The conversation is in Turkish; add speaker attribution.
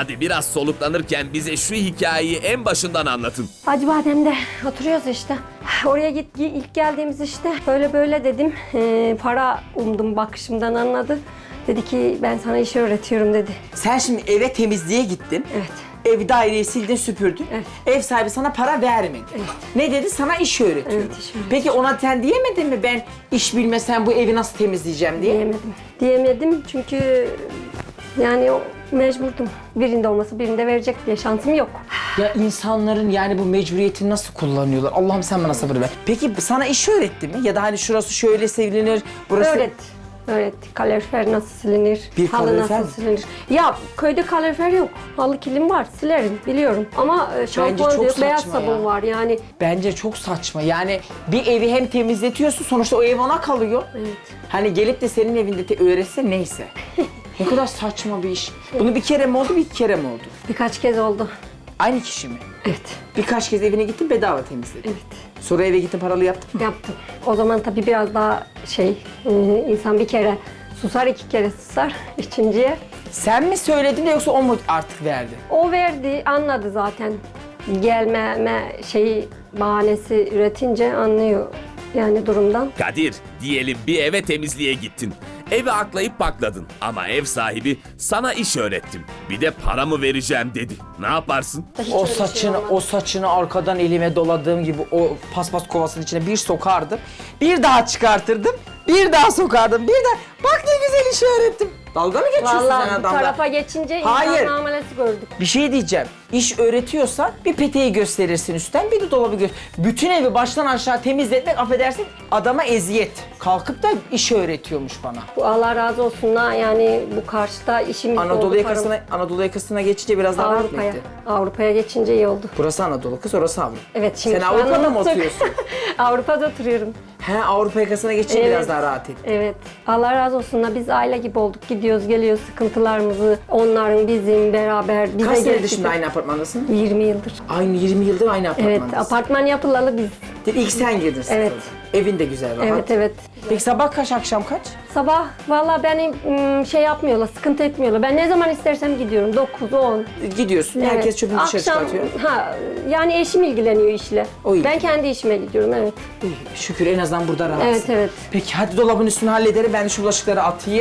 Speaker 1: Hadi biraz soluklanırken bize şu hikayeyi en başından anlatın.
Speaker 2: Acıbadem'de oturuyoruz işte. Oraya ilk geldiğimiz işte böyle böyle dedim. Para umdum, bakışımdan anladı. Dedi ki ben sana iş öğretiyorum dedi.
Speaker 3: Sen şimdi eve temizliğe gittin.
Speaker 2: Evet.
Speaker 3: Ev daireyi sildin süpürdün.
Speaker 2: Evet.
Speaker 3: Ev sahibi sana para vermedi.
Speaker 2: Evet.
Speaker 3: Ne dedi? Sana iş öğretiyorum.
Speaker 2: Evet, iş öğretiyorum.
Speaker 3: Peki ona sen diyemedin mi ben iş bilmesem bu evi nasıl temizleyeceğim diye?
Speaker 2: Diyemedim çünkü yani mecburdum. Birinde olması birinde verecek diye şansım yok.
Speaker 3: Ya insanların yani bu mecburiyetini nasıl kullanıyorlar? Allah'ım sen bana sabır ver. Peki sana iş öğretti mi? Ya da hani şurası şöyle silinir, burası...
Speaker 2: Öğretti. Kalorifer nasıl silinir?
Speaker 3: Bir
Speaker 2: halı
Speaker 3: kalorifer
Speaker 2: nasıl
Speaker 3: mi?
Speaker 2: silinir? Ya köyde kalorifer yok. Halı kilim var. Silerim biliyorum. Ama şampuan
Speaker 3: çok
Speaker 2: diyor, beyaz
Speaker 3: saçma
Speaker 2: sabun
Speaker 3: ya.
Speaker 2: var yani.
Speaker 3: Bence çok saçma. Yani bir evi hem temizletiyorsun sonuçta o ev ona kalıyor.
Speaker 2: Evet.
Speaker 3: Hani gelip de senin evinde öğretse neyse. Ne kadar saçma bir iş. Bunu bir kere mi oldu, bir kere mi oldu?
Speaker 2: Birkaç kez oldu.
Speaker 3: Aynı kişi mi?
Speaker 2: Evet.
Speaker 3: Birkaç kez evine gittin bedava temizledin.
Speaker 2: Evet.
Speaker 3: Sonra eve gittin paralı yaptın.
Speaker 2: Yaptım. O zaman tabii biraz daha insan bir kere susar, iki kere susar. Üçüncüye.
Speaker 3: Sen mi söyledin de yoksa o mu artık verdi?
Speaker 2: O verdi, anladı zaten. Gelmeme bahanesi üretince anlıyor yani durumdan.
Speaker 1: Kadir, diyelim bir eve temizliğe gittin. Evi aklayıp pakladın ama ev sahibi sana iş öğrettim. Bir de para mı vereceğim dedi. Ne yaparsın?
Speaker 2: Hiç
Speaker 3: O
Speaker 2: öyle bir şey
Speaker 3: saçını,
Speaker 2: olmadı.
Speaker 3: o saçını arkadan elime doladığım gibi o paspas kovasının içine bir sokardım. Bir daha çıkartırdım. Bir daha sokardım. Bir daha. Bak ne güzel iş öğrettim. Dalga mı geçiyorsun sen
Speaker 2: Vallahi bu
Speaker 3: adamla?
Speaker 2: tarafa geçince
Speaker 3: Hayır.
Speaker 2: insan muamelesi gördük.
Speaker 3: Bir şey diyeceğim. İş öğretiyorsan bir peteği gösterirsin üstten, bir de dolabı bütün evi baştan aşağı temizletmek, affedersin, adama eziyet. Kalkıp da iş öğretiyormuş bana.
Speaker 2: Bu Allah razı olsun ha yani bu karşıda işimiz oldu.
Speaker 3: Anadolu yakasına geçince biraz daha rahat mı
Speaker 2: Avrupa'ya.
Speaker 3: etti?
Speaker 2: Avrupa'ya geçince iyi oldu.
Speaker 3: Burası Anadolu kız, orası Avrupa.
Speaker 2: Evet şimdi
Speaker 3: Sen
Speaker 2: şu an
Speaker 3: Avrupa'da mı
Speaker 2: unuttuk.
Speaker 3: oturuyorsun?
Speaker 2: Avrupa'da oturuyorum.
Speaker 3: He, Avrupa yakasına geçince
Speaker 2: Evet.
Speaker 3: biraz daha rahat etti.
Speaker 2: Evet. Allah razı olsun da biz aile gibi olduk. Gidiyoruz, geliyoruz sıkıntılarımızı. Onların, bizim beraber bize
Speaker 3: Kaç senedir
Speaker 2: geçti.
Speaker 3: şimdi aynı apartmandasın?
Speaker 2: 20 yıldır.
Speaker 3: Aynı 20 yıldır aynı
Speaker 2: Evet,
Speaker 3: apartmandasın.
Speaker 2: apartman yapılalı biz.
Speaker 3: İlk sen girdin sınıfa.
Speaker 2: Evet.
Speaker 3: Evin de güzel, rahat.
Speaker 2: Evet, evet.
Speaker 3: Peki sabah kaç, akşam kaç?
Speaker 2: Sabah valla beni yapmıyorlar, sıkıntı etmiyorlar. Ben ne zaman istersem gidiyorum. 9, 10.
Speaker 3: Gidiyorsun, herkes
Speaker 2: Evet.
Speaker 3: çöpünü dışarı
Speaker 2: Akşam,
Speaker 3: çıkartıyor.
Speaker 2: yani eşim ilgileniyor işle.
Speaker 3: O iyi.
Speaker 2: Ben kendi işime gidiyorum, evet.
Speaker 3: İyi, şükür en azından burada rahatsın.
Speaker 2: Evet, evet.
Speaker 3: Peki hadi dolabın üstünü hallederim, ben de şu bulaşıkları atayım.